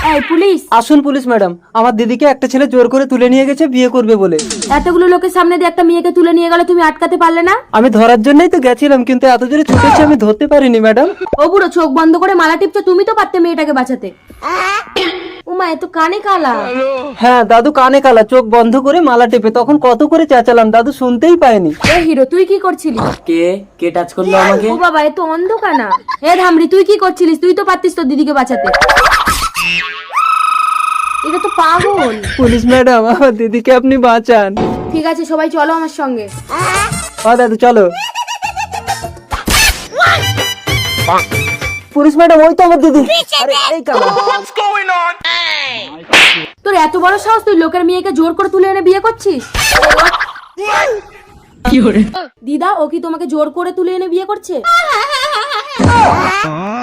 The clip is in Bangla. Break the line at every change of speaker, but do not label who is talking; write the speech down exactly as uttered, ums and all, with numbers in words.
এই পুলিশ!
আসুন পুলিশ ম্যাডাম, আমার দিদিকে একটা ছেলে জোর করে তুলে নিয়ে গেছে বিয়ে করবে বলে।
এতগুলো লোকের সামনে দিয়ে একটা মেয়েকে তুলে নিয়ে গেলে তুমি আটকাতে পারলে না?
আমি ধরার জন্যই তো গেছিলাম, কিন্তু এত জোরে ছুটেছে আমি ধরতে পারিনি ম্যাডাম।
ও বুড়ো, চোখ বন্ধ করে মালা টিপছো, তুমি তো পারতে মেয়েটাকে বাঁচাতে। উমা, এ তো কানে কালা।
হ্যাঁ দাদু কানে কালা, চোখ বন্ধ করে মালা টেপে, তখন কত করে চেঁচালাম দাদু শুনতেই পায়নি।
এ হিরো, তুই কি করছিলি?
কে কে টাচ করলো আমাকে?
ও বাবা, এ তো অন্ধকানা। হে ধামড়ি, তুই কি করছিলিস? তুই তো পারতিস তোর দিদিকে বাঁচাতে। এটা তো পাগল।
পুলিশ ম্যাডাম, আমার দিদিকে আপনি বাঁচান।
ঠিক আছে, সবাই চলো আমার সঙ্গে।
হ্যাঁ দাদু চলো। পুলিশ ম্যাডাম, ওই তো আমার দিদি। আরে এই কালা।
তোর এত বড় সাহস, তুই লোকের মেয়েকে জোর করে তুলে এনে বিয়ে করছিস? দিদা, ও কি তোমাকে জোর করে তুলে এনে বিয়ে করছে?